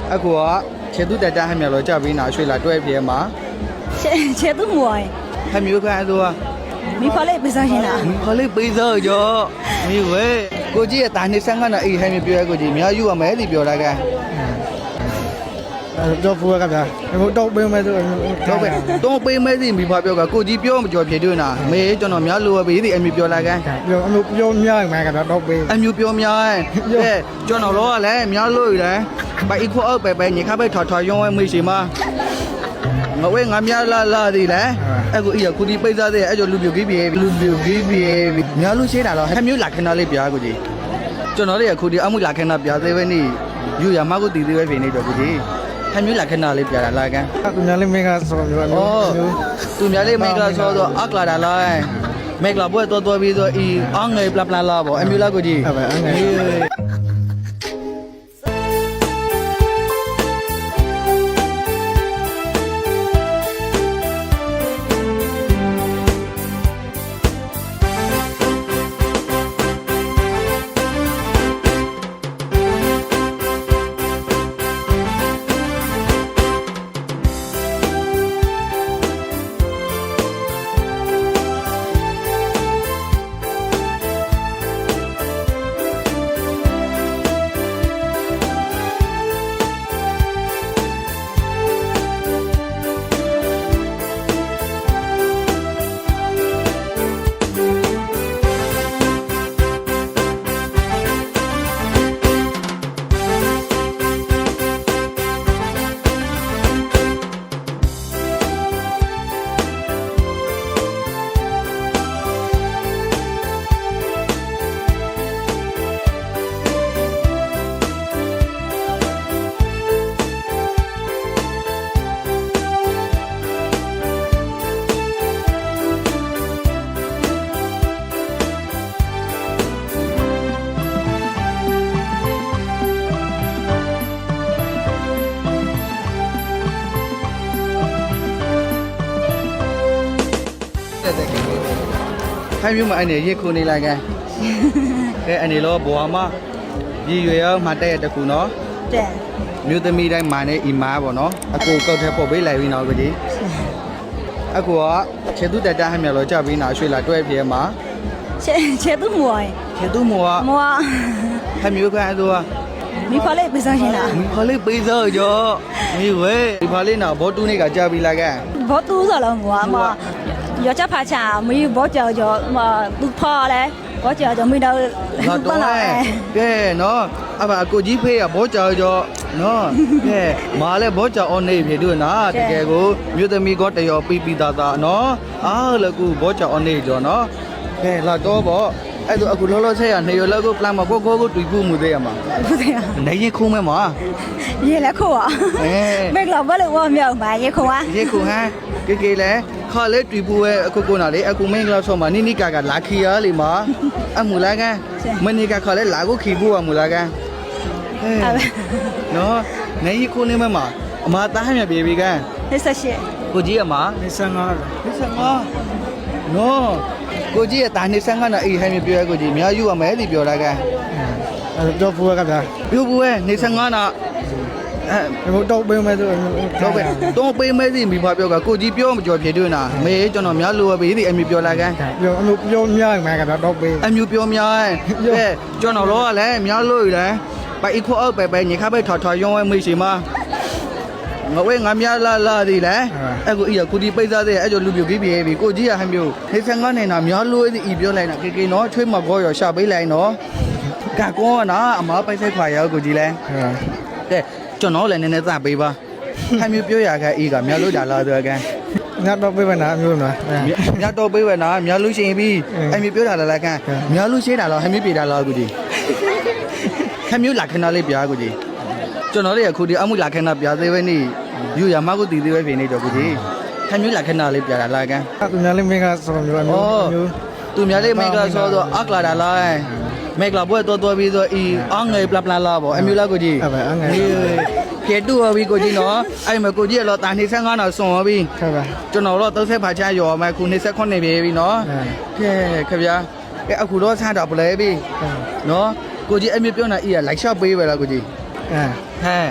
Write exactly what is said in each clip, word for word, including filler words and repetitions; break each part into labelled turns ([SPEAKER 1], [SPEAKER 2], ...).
[SPEAKER 1] အခုကခြေသူတက်တက်ဟမ်းမြော်လို့ကြပြီးနာရွှေလာတွဲပြေမှာ
[SPEAKER 2] 切切都没哎，
[SPEAKER 1] ဟမ်းမျိုးခန့်ဆို
[SPEAKER 2] 没跑来不上心啦。
[SPEAKER 1] ခလေးပေးစောကြောမိဝဲကိုကြီးရဲ့တာနေဆန်းကတော့အေးဟမ်းမျိုးပြောရကိုကြီးမြောက်ယူရမယ်ဒီပြောတာက
[SPEAKER 3] တော့ဖူးရကဗျာဟိုတော့ပေးမယ်ဆို
[SPEAKER 1] တော့ပဲတော့ပေးမဲစီမိဘပြောကကိုကြီးပြောမကြော်ဖြေတွေ့နာမေကျွန်တော်များလိုပဲဒီအမျိုးပြောလာကန်
[SPEAKER 3] ပြောအမျိုးပြောများမှကတော့ပေး
[SPEAKER 1] အမျိုးပြောများအဲကျွန်တော်တော့လည်းများလို့ရယ်ဘိုက်ခေါ်အောက်ပဲပဲညခပဲထော်ထော်ရုံးဝဲမေးရှိမှာငါဝဲငါများလာလာဒီလေအခုအီကူဒီပိတ်သားတဲ့အဲ့ကြောလူပြူကြီးပြေလူပြူကြီးပြေများလို့ရှိတာတော့ဟဲ့မျိုးလာခဏလေးပြားကိုကြီးကျွန်တော်တို့ရခုဒီအမှုလာခဏပြားသေးပဲနေယူရမကိုတည်သေးပဲဖြစ်နေတော့ကိုကြီးဟဲ့မျိုးလာခဏလေးပြားတာလာကန်
[SPEAKER 3] သူများလေးမင်းကဆိုမျိုး
[SPEAKER 1] ဩသူများလေးမိတ်ကလာဆိုတော့အကလာတာလားမိတ်ကလာဘွဲ့တော်တော်ပြီးဆိုအီအောင်ငယ်ပလပလာလာပေါ့အမျိုးလာကိုကြီး
[SPEAKER 3] ဟုတ်ပါအငယ်
[SPEAKER 1] ဟဲ့မျိုးမအဲ့နေရေခုနေလိုက်ကန်ကဲအနေလောဘွာမရည်ရွယ်ရောမှတဲ့တခုနော်
[SPEAKER 2] 对，
[SPEAKER 1] မြို့သမီးတိုင်းမာနေအီမာပေါ့နော်အကိုကောက်တဲ့ပို့ပေးလိုက်ပြီးနော်ကိုကြီးအခုကခြေသူတက်တက်ဟမ်းမြော်လို့ကြပြီးနာရွှေလာတွဲပြေမှာ
[SPEAKER 2] 切切都没哎，
[SPEAKER 1] ခြေသူမောက
[SPEAKER 2] 没，
[SPEAKER 1] ဟဲ့မျိုးခန့်ဆို
[SPEAKER 2] 没跑来不上心啦。
[SPEAKER 1] ခလေးပေးစောကြောမိဝဲဒီဖာလေးနာဘောတူနေကကြပြီးလာကန်
[SPEAKER 2] 跑多少了我嘛？要加爬墙，没有跑脚脚嘛不跑嘞，跑脚就没到
[SPEAKER 1] ငါ
[SPEAKER 2] 不
[SPEAKER 1] တော့
[SPEAKER 2] 了哎。
[SPEAKER 1] ကဲနော်အဘအကိုကြီးဖေးကဘောကြောကြောနော်ကဲမာလဲဘောကြောအောင်နေဖြစ်တို့နာတကယ်ကိုမြို့သမီးကတရောပြီးပြီးသားသားနော်အားလကူဘောကြောအောင်နေကြောနော်ကဲလာတော့ပေါ့အဲ့တော့အခုလောလောဆယ်ရနေရလောက်ကိုပလန်မကိုကိုကိုတွေ့ဖို့မှုသေးရမှာ
[SPEAKER 2] 不对呀，
[SPEAKER 1] နေရင်ခုံးမဲမှာ
[SPEAKER 2] 也来扣啊。
[SPEAKER 1] အဲ
[SPEAKER 2] 没老婆了我没有买也扣啊。
[SPEAKER 1] ရေခုံဟန်ကေကေလဲခါလဲတွေ့ဖို့ရဲ့အခုကိုနာလေအခုမင်းကလာဆောမှာနိနိကာကလာခီရလေမှာအမူလာကန်မနိကခါလဲလာကိုခီဖို့အမူလာကန်အဲ နော်နေရီခုနေမမအမသားဟမြပြေပြီကန်
[SPEAKER 2] 那啥些？
[SPEAKER 1] ကိုကြီးအမ
[SPEAKER 3] နေဆန်းကား
[SPEAKER 1] ဒီစငါနော်ကိုကြီးရဲ့တာနေဆန်းကတော့အေးဟမ်းမြပြောရကိုကြီးမြောက်ယူရမယ်ဒီပြောတာကန်
[SPEAKER 3] တော့ဖူးရကဗျာ
[SPEAKER 1] ပြိုးဘူးရဲ့နေဆန်းကနာအဲ
[SPEAKER 3] ဟိုတော့ပေးမယ်ဆို
[SPEAKER 1] တော့ပဲတော့ပေးမဲစီမိဘပြောကကိုကြီးပြောမကြော်ဖြေတွေ့နာမေကျွန်တော်များလိုပဲဒီအမျိုးပြောလာကန်
[SPEAKER 3] ပြောအမျိုးပြောများမှကတော့ပေး
[SPEAKER 1] အမျိုးပြောများကဲကျွန်တော်တော့လည်းများလို့ရတယ်ဘိုက်ခေါ်အောက်ပဲပဲညခပဲထော်ထော်ရုံးဝဲမေးရှိမှာငါဝဲငါများလာလာဒီလေအခုအီကူဒီပိတ်သားတဲ့အဲ့ကြောလူပြူကြီးပြေပြီကိုကြီးရဟမ်းမျိုးနေဆန်ကနေနာများလို့ဒီပြောလိုက်နာကေကေနော်ချွေးမကောရောရှာပေးလိုက်နော်ကကောနာအမပိုက်ဆိုင်ခွာရောကိုကြီးလဲကဲကျွန်တော်လည်းနည်းနည်းသပေးပါဟမ်းမျိုးပြောရခဲ့အီကများလို့ဒါလာတော့ကန်
[SPEAKER 3] ညတော့ပေးမယ်နာအမျိုးနော်
[SPEAKER 1] များတော့ပေးဝဲနာများလို့ရှိရင်ပြီးအမျိုးပြောတာလည်းကန်များလို့ရှိတာလားဟမ်းမျိုးပြေတာလားကိုကြီးဟမ်းမျိုးလာခဏလေးပြားကိုကြီးကျွန်တော်တို့ရခုဒီအမှုလာခဏပြားသေးပဲနေယူရမကိုတည်သေးပဲဖြစ်နေတော့ကိုကြီးဟမ်းမျိုးလာခဏလေးပြားတာလားကန်
[SPEAKER 3] သူများလေးမင်းကဆိုမျိုးအမျိုး
[SPEAKER 1] သူများလေးမိတ်ကလာဆိုတော့အကလာတာလားမိတ်ကလာဘွဲ့တော်တော်ပြီးဆိုအီအောင်ငယ်ပလပလာလာပေါ့အမျိုးလားကိုကြီး
[SPEAKER 3] ဟုတ်ပါအငယ်
[SPEAKER 1] ကဲတူဟောပြီကိုကြီးနော်အဲ့မှာကိုကြီးကတော့တာနေဆန်းကားတော့စွန်ဟောပြီ
[SPEAKER 3] ဟုတ်ပါ
[SPEAKER 1] ကျွန်တော်တော့သုံးဆက်ဖာချရော်မယ်ခုနေဆက်ခွနေပြီပြီနော်ကဲခဗျာကဲအခုတော့ဆန်းတော့ပလဲပြီနော်ကိုကြီးအမျိုးပြောနေအီကလိုက်ရှော့ပေးပဲလားကိုကြီး
[SPEAKER 3] အဲ
[SPEAKER 1] ဟဲ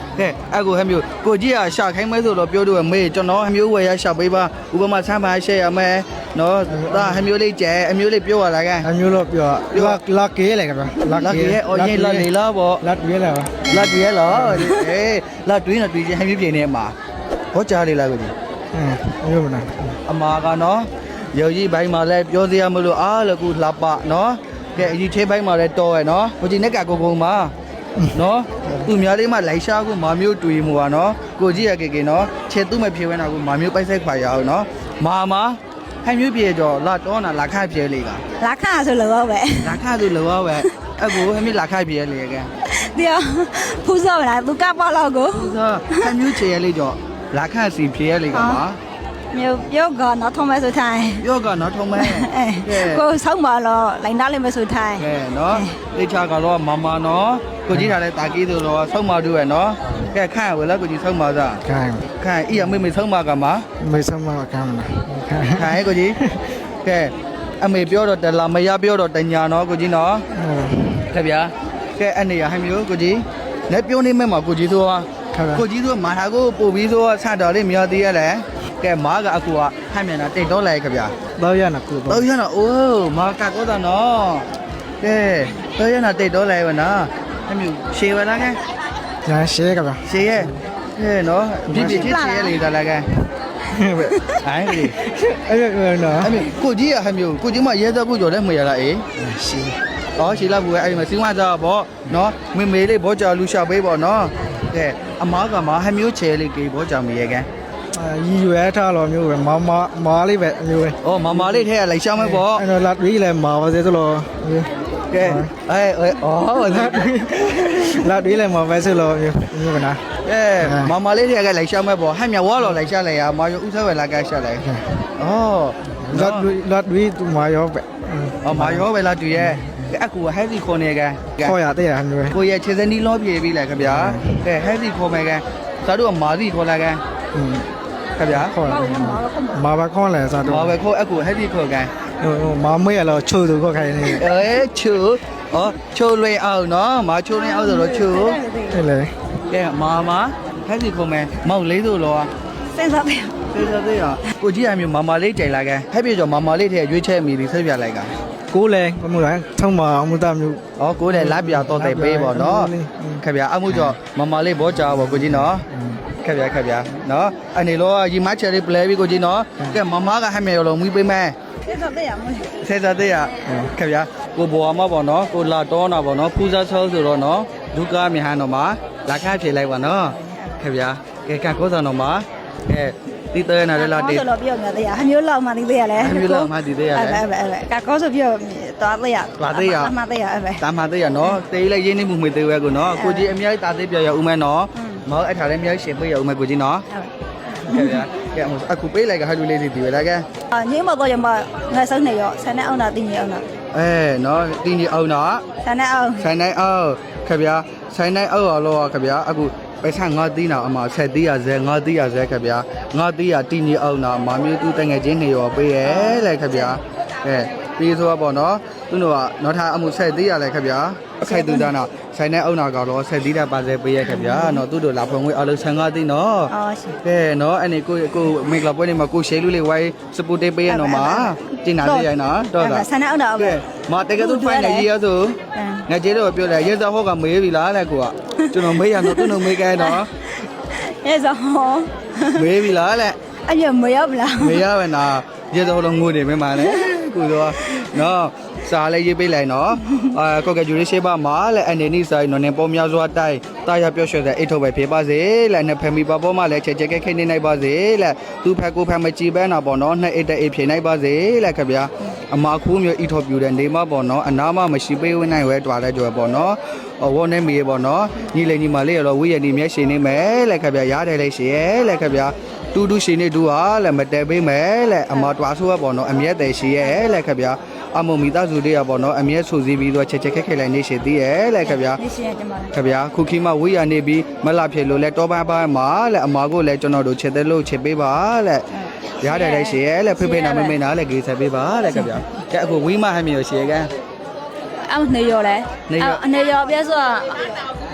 [SPEAKER 1] ကဲအခုဟမျိုးကိုကြီးကရှာခိုင်းမဲဆိုတော့ပြောလို့မေးကျွန်တော်ဟမျိုးဝယ်ရရှာပေးပါဥပမာဆမ်းပါရှယ်ရမယ်နော်ဒါဟမျိုးလေးကျဲအမျိုးလေးပြောရလားကဲ
[SPEAKER 3] အမျိုးလို့ပြောလာလာကေးလေကဗျာ
[SPEAKER 1] လာကြီးရဲ့အော်ရင်လာလေလားပေါ့
[SPEAKER 3] လာတွေးလေပါ
[SPEAKER 1] လာတွေးလားအေးလာတွေးနေတွေးချင်းဟမျိုးပြင်းနေမှာဘောကြားလေးလားကိုကြီး
[SPEAKER 3] အင်းအမျိုးမနာ
[SPEAKER 1] အမာကနော်ရုပ်ကြီးဘိုင်းမှာလည်းပြောစရာမလိုအားလို့ခုလှပနော်ကဲအကြီးသေးဘိုင်းမှာလည်းတော်ရယ်နော်ကိုကြီးနဲ့ကကိုကုံမှာနော်သူများလေးမှလိုက်ရှားကိုမာမျိုးတွေးမှုပါနော်ကိုကြီးရကေကေနော်ခြေသူ့မဖြေဝဲတာကိုမာမျိုးပိုက်ဆိုင်ခွာရအောင်နော်မာမာဟန်မျိုးပြေတော့လာတော့နာလာခပြေလေးက
[SPEAKER 2] လာခါဆိုလို့ပဲ
[SPEAKER 1] လာခဆိုလောပဲအခုဟန်မျိုးလာခပြေလေးကဲ
[SPEAKER 2] တရားဖူးစောလာသူကပေါ့လောက်ကို
[SPEAKER 1] သူကဟန်မျိုးခြေရလေးတော့လာခစီပြေလေးကပါ
[SPEAKER 2] မျိုးပြောကတော့ထုံးမဲဆိုထိုင်
[SPEAKER 1] ပြောကနော်ထုံးမဲကဲ
[SPEAKER 2] ကိုဆောက်ပါတော့လိုင်းသားလေးမဆိုထိုင်
[SPEAKER 1] ကဲနော်လေချာကတော့မမနော်ကိုကြီးထားတဲ့တာကီးဆိုတော့ဆုံးမတူရနော်ကဲခန့်ဝယ်လားကိုကြီးဆုံးမစား
[SPEAKER 3] ခိုင်း
[SPEAKER 1] ခန့်ဤအမေမေဆုံးမကမှာ
[SPEAKER 3] မေဆမကမ်းမနာ
[SPEAKER 1] ခန့်ရဲ့ကိုကြီးကဲအမေပြောတော့တလာမရပြောတော့တညာနော်ကိုကြီးနော်ခင်ဗျာကဲအနေရဟမ်းမျိုးကိုကြီးလက်ပြောနေမဲ့မှာကိုကြီးဆိုတာကိုကြီးဆိုမာထာကိုပို့ပြီးဆိုဆတ်တော်လေးမြော်သေးရလဲကဲမားကအကူကဟမ်းမြန်တာတိတ်တော့လိုက်ခင်ဗျာ
[SPEAKER 3] တော့ရနာကူ
[SPEAKER 1] တော့
[SPEAKER 3] တော့
[SPEAKER 1] ရနော်အိုးမာကကောတာနော်ကဲတော့ရနာတိတ်တော့လိုက်ဝနော်အမျိုးရှေဝလားကဲ
[SPEAKER 3] ညာရှဲကဗျာ
[SPEAKER 1] ရှေရဲ့ကဲနော်ပြပြချင်းရှေရဲ့လေသာလားကဲဟိုင်းလေ
[SPEAKER 3] အဲ့ဒါနော်
[SPEAKER 1] အမျိုးကိုကြီးရဟမျိုးကိုကြီးမရဲတော့ကိုကြော်လဲမရလားအေး
[SPEAKER 3] ရှေ
[SPEAKER 1] ဩရှေလာဘူးအဲ့ဒီမှာစီးဝါစားပေါ့နော်မေမေလေးဘောကြော်လူရှာပေးပေါ့နော်ကဲအမားကမဟမျိုးချဲလေးကေဘောကြော်မရဲကဲ
[SPEAKER 3] ရီရွယ်ထားလို့မျိုးပဲမမမားလေးပဲအမျိုးပဲ
[SPEAKER 1] ဩမမလေးထဲကလိုက်ရှာမဲပေါ့
[SPEAKER 3] အဲ့တော့လာတွေးလဲမာပါစေသလို
[SPEAKER 1] ကဲအဲအဲဩလာ
[SPEAKER 3] လာတွေးလဲမာပဲစေလို့မျိုးမျိုးကနာ
[SPEAKER 1] ကဲမမလေးတွေကလိုက်ရှာမဲ့ပေါ့ဟဲ့မြဝါလော်လိုက်ရှာလိုက်ရမာယဥစားဝဲလာကရှာလိုက်ဩ
[SPEAKER 3] လာတွေးလာတွေးသူမာရောပဲ
[SPEAKER 1] ဩမာယောပဲလာတူရဲ့အကူဟဲစီခေါ်နေကဲ
[SPEAKER 3] ခေါ်ရတဲ့ရမျိုးပဲ
[SPEAKER 1] ကိုရဲ့ခြေစနီးလောပြေးပြီလေခင်ဗျာကဲဟဲစီခေါ်မယ်ကဲသာတို့ကမာစီခေါ်လာကဲခင်ဗျာ
[SPEAKER 3] ခေါ်ရမာပါခေါ်လဲစားတော့
[SPEAKER 1] မာပဲခေါ်အကူဟဲစီခေါ်ကဲ
[SPEAKER 3] ဟိုမာမေးရလို့ချိုးသူခေါ်ခိုင်းနေ
[SPEAKER 1] အဲချူဩချိုးလွင်အောင်နော်မာချိုးလွင်အောင်ဆိုတော့ချူ
[SPEAKER 3] တယ်လေ
[SPEAKER 1] ကဲမာမာဟဲစီခေါ်မယ်မောက်လေးဆိုတော့
[SPEAKER 2] စဉ်းစားပြ
[SPEAKER 1] သေချာသေးရကိုကြီးအမျိုးမာမာလေးကြိုင်လာကဲဟဲ့ပြေကျော်မာမာလေးထဲရွေးချယ်မိပြီးဆက်ပြလိုက်က
[SPEAKER 3] ကိုလဲဘမှုလဲထုံးမအမှုတမျိုး
[SPEAKER 1] ဩကိုလည်းလက်ပြတော့တဲ့ပေးပေါ့နော်ခင်ဗျာအမှုကျော်မာမာလေးဘောကြာပေါ့ကိုကြီးနော်ခင်ဗျာခင်ဗျာနော်အနေလောရီမချယ်လေးပလဲပြီးကိုကြီးနော်ကဲမာမာကဟဲ့မြေရောလုံးမွေးပေးမယ်
[SPEAKER 2] စဉ်းစားပြရမလို့
[SPEAKER 1] သေချာသေးရခင်ဗျာကိုဘောမပေါ့နော်ကိုလာတော့နာပေါ့နော်ဖူးစားချောဆိုတော့နော်ဒုက္ခမြဟန်တော့မှာလာခဖြေလိုက်ပါနော်ခင်ဗျာကဲကကိုဆောင်တော့မှာကဲတီးတဲ့နာလည်းလာတေး
[SPEAKER 2] ဆိုလို့ပြောနေသေးရဟမျိုးလောက်မှသိသေးရလဲ
[SPEAKER 1] ဟမျိုးလောက်မှသိသေးရလဲ
[SPEAKER 2] အဲ့ပဲအဲ့ပဲကကောဆိုပြောသွားသေးရ
[SPEAKER 1] သွားသေးရ
[SPEAKER 2] အမှသေးရအဲ့ပဲ
[SPEAKER 1] တာမသေးရနော်တေးလိုက်ရင်းနေမှုမွေသေးဝဲကိုနော်ကိုကြီးအများကြီးတာသေးပြောရဦးမယ်နော်မောက်အထားလည်းအများကြီးရှင်ပေးရဦးမယ်ကိုကြီးနော်ကဲဗျာကဲအခုပေးလိုက်ကဟာလူလေးစီဒီဝဲလာကဲ
[SPEAKER 2] အာညမတော့ရမငါစုံနေရောဆန်နဲ့အောင်တာတင်းနေအောင်တာ
[SPEAKER 1] အဲနော်တင်းကြီးအောင်နော်
[SPEAKER 2] ဆန်နဲ့အောင်
[SPEAKER 1] ဆိုင်နိုင်အောင်ခဗျာဆိုင်နိုင်အောင်ရောခဗျာအခုပဲဆန်ငါတီးနာအမဆက်တီးရဇဲငါတီးရဇဲခဗျာငါတီးရတင်းကြီးအောင်နာမာမျိုးသူတငယ်ချင်းနေရောပေးရဲလေခဗျာအဲပြီးဆိုတော့ပေါ့နော်သူတို့ကနော်ထားအမှုဆက်တီးရလေခဗျာအခိုက်တူတာနော်ဆိုင်နိုင်အောင်နာကတော့ဆက်တီးတာပါစေပေးရဲခဗျာနော်သူတို့လာဖွင့်ဝေးအလုံးဆန်ငါတီးနော်
[SPEAKER 2] အော်ရှင်
[SPEAKER 1] ကဲနော်အဲ့ဒီကိုကိုမိကလာပွဲနေမှာကိုရှဲလူလေးဝိုင်းစပူတေးပေးရနော်မှာတင်နာသေးရနော်တော့တာ
[SPEAKER 2] ဆန်နဲ့အောင်တာ
[SPEAKER 1] ကဲမတကယ်တော့ဖိုင်နေရဆိုငါကျေတော့ပြောတယ်ရဲစောဟောကမေးပြီလားတဲ့ကိုကကျွန်တော်မေးရတော့သူ့နှုတ်မေးခဲနော်
[SPEAKER 2] အဲ့ဆို
[SPEAKER 1] မေးပြီလားတဲ့
[SPEAKER 2] အဲ့ရမရောက်လား
[SPEAKER 1] မေးရမယ်နာရဲစောတော့ငိုနေမင်းမနဲ့ကိုတော့နော်စားလေးရေးပေးလိုက်နော်အာကိုကဂျူရီရှေးပါမှာလဲအနေနီဆိုင်နော်နေပေါ်များစွာတိုက်တာရပြော့ရွှဲတဲ့အိတ်ထုတ်ပဲဖြစ်ပါစေလဲနဲ့ဖမီပါပေါ်မှာလဲချက်ချက်ခဲခဲနေနိုင်ပါစေလဲသူဖက်ကိုဖက်မကြည့်ပဲနာပေါ့နော်နှစ်အိတ်တဲ့အိတ်ဖြေနိုင်ပါစေလဲခဗျာအမခိုးမျိုးအိတ်ထုတ်ပြူတဲ့နေမပေါ့နော်အနာမမရှိပေးဝင်နိုင်ဝဲတွားတဲ့ကြွယ်ပေါ့နော်ဝေါ်နေမီပေါ့နော်ညီလေးညီမလေးရောဝေးရနေမျက်ရှင်နေမယ်လဲခဗျာရားတယ်လေးရှင်ရဲလဲခဗျာတူတူရှင်နေတူဟာလဲမတဲပေးမယ်လဲအမတွားဆိုးပေါ့နော်အမျက်တယ်ရှင်ရဲလဲခဗျာအမမီသားစုတွေကပေါ့နော်အမျက်ဆူစည်းပြီးတော့ချက်ချက်ခက်ခဲလိုက်နေရှိသေးရဲ့လဲခဗျာ
[SPEAKER 2] နေရှင်ရကြမှာ
[SPEAKER 1] ခဗျာခုခီမဝေးရနေပြီးမလာဖြစ်လို့လဲတောပန်းပန်းမှာလဲအမာကိုလဲကျွန်တော်တို့ချက်တဲ့လို့ချက်ပေးပါလဲရတယ်လဲရှင်ရဲ့လဲဖေဖေနာမမေနာလဲဂေးဆက်ပေးပါလဲခဗျာကဲအခုဝီးမဟမ်းမြေရရှင်ကဲ
[SPEAKER 2] အောင်နေရောလဲအနေရောပြဆို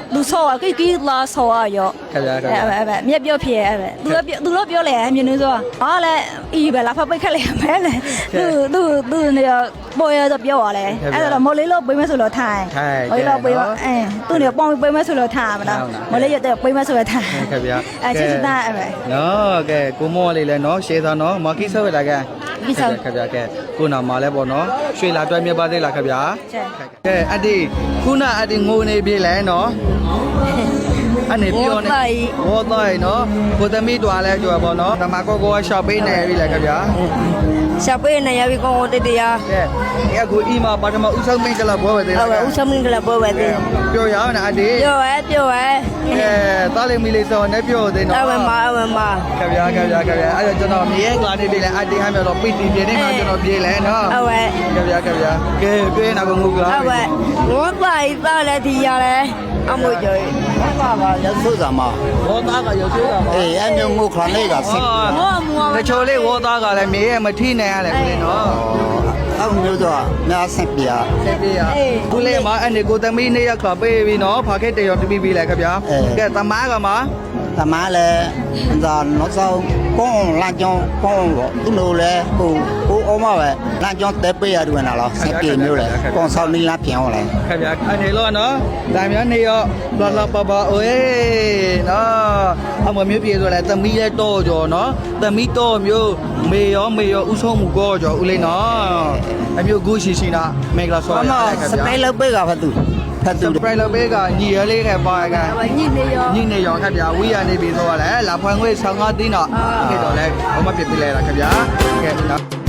[SPEAKER 2] လူဆောอ่ะကိကိလာဆောอ่ะရော
[SPEAKER 1] ခင်ဗျာခင်
[SPEAKER 2] အဲ့
[SPEAKER 1] ဗျာ
[SPEAKER 2] အဲ့မြက်ပြောဖြစ်အဲ့ပဲသူကသူတော့ပြောလေမြင်နေဆိုဟာလဲအီပဲလာဖပိတ်ခက်လေမဲလေသူသူသူနေပေါ်ရတော့ပြောရလဲအဲ့တော့မော်လေးလို့ပေးမဆိုလို့ထိုင်မော်လေးလို့ပေးအဲသူနေပေါင်းပေးမဆိုလို့ထိုင်မလားမော်လေးရတဲ့ပေးမဆိုလို့ထိုင်
[SPEAKER 1] ခင်ဗျာ
[SPEAKER 2] အဲချစ်စတာအဲ့ပဲ
[SPEAKER 1] နော်ကဲကိုမောလေးလဲနော်ရှေးသားနော်မကိဆောက်လာကဲ
[SPEAKER 2] ကိဆောက်
[SPEAKER 1] ခင်ဗျာကဲကိုနာမှာလဲပေါ့နော်ရွှေလာတွဲမြတ်ပါသေးလားခင်ဗျာကဲအတီခုနအတီငိုနေပြီလဲနော်အနေပြောနေဟောတော့နော်ကိုသမီးတွားလဲကြွယ်ပေါ့နော်ဓမ္မကောကောရှော့ပေးနေပြီလဲခင်ဗျာ
[SPEAKER 4] ရှာပေးနေရပြီကောတတရာ
[SPEAKER 1] ကဲဒီအခုအီမာပါထမဦးဆုံးမိတ်ကလာပွဲပဲသေး
[SPEAKER 4] ဟုတ်ကဲ့ဦးစမင်းကလည်းပွဲပဲသေး
[SPEAKER 1] ပြောရအောင်အတီ
[SPEAKER 4] ပြောရဲပြောရဲ
[SPEAKER 1] ကဲတားလိမီလေးစောနဲ့ပြောသေးနော်
[SPEAKER 4] အဝမအဝမ
[SPEAKER 1] ခင်ဗျာခင်ဗျာခင်ဗျာအဲ့တော့ကျွန်တော်မြေကလာနေပြီလဲအတီဟမ်းမြော်တော့ပိတီပြင်းနေမှာကျွန်တော်ပြေးလဲနော်
[SPEAKER 4] အဝ
[SPEAKER 1] ခင်ဗျာခင်ဗျာကဲပြေးနာကငုကလာ
[SPEAKER 4] အဝငေါပါဤသားလည်းဒီရလဲအမွေကြွေ
[SPEAKER 5] 爸爸要收什么？
[SPEAKER 1] ဝေါ်သားကရုပ်သေးတာပါ
[SPEAKER 5] 哎，俺们我看那个是，
[SPEAKER 1] ဟောတချို့လေးဝေါ်သားကလည်းမြေရဲ့မထိနိုင်ရလဲကိုလေးနော်
[SPEAKER 5] 俺们就说那身边，
[SPEAKER 1] ဆက်ပြေးရကိုလေးမှာအဲ့ဒီကိုသမီးနေ့ရက်ခါပေးပြီနော်ဖာခေတ္တရောတပိပြီလဲခင်ဗျာကဲတမားကမှာ
[SPEAKER 5] 他妈嘞，那那时候光兰江光我，都弄嘞，我我我妈喂，兰江得背下就那了，身边没有嘞，光烧你那片我嘞。
[SPEAKER 1] ခင်ဗျာအနေလို့နော်ဒါမျိုးနေရောလာလာပါပါအိုးနော်အမမျိုးပြေဆိုလဲသမီးရဲ့တော့ကြောနော်သမီးတော့မျိုးမေရောမေရောဥဆုံးမှုကောကြောဦးလေးနော်အမျိုးဂူရှိရှိနာမင်္ဂလာဆောရ
[SPEAKER 5] 我
[SPEAKER 1] ရ
[SPEAKER 5] 嘛
[SPEAKER 1] ခင်
[SPEAKER 5] 是
[SPEAKER 1] ဗျာ
[SPEAKER 5] 背了背个发都，发
[SPEAKER 1] စ
[SPEAKER 5] 都
[SPEAKER 1] ပ。ရိုက်လဘေးကညီရလေးခဲ့ပါက
[SPEAKER 2] ညစ်နေရော
[SPEAKER 1] ညီနေရောခင်ဗျာဝီရနေပြီဆိုတော့လဲလာဖွင့်ခွေဆောင်ငါတင်းတော့ခေတော့လဲဘာမှပြပြလဲလားခင်ဗျာကဲနော်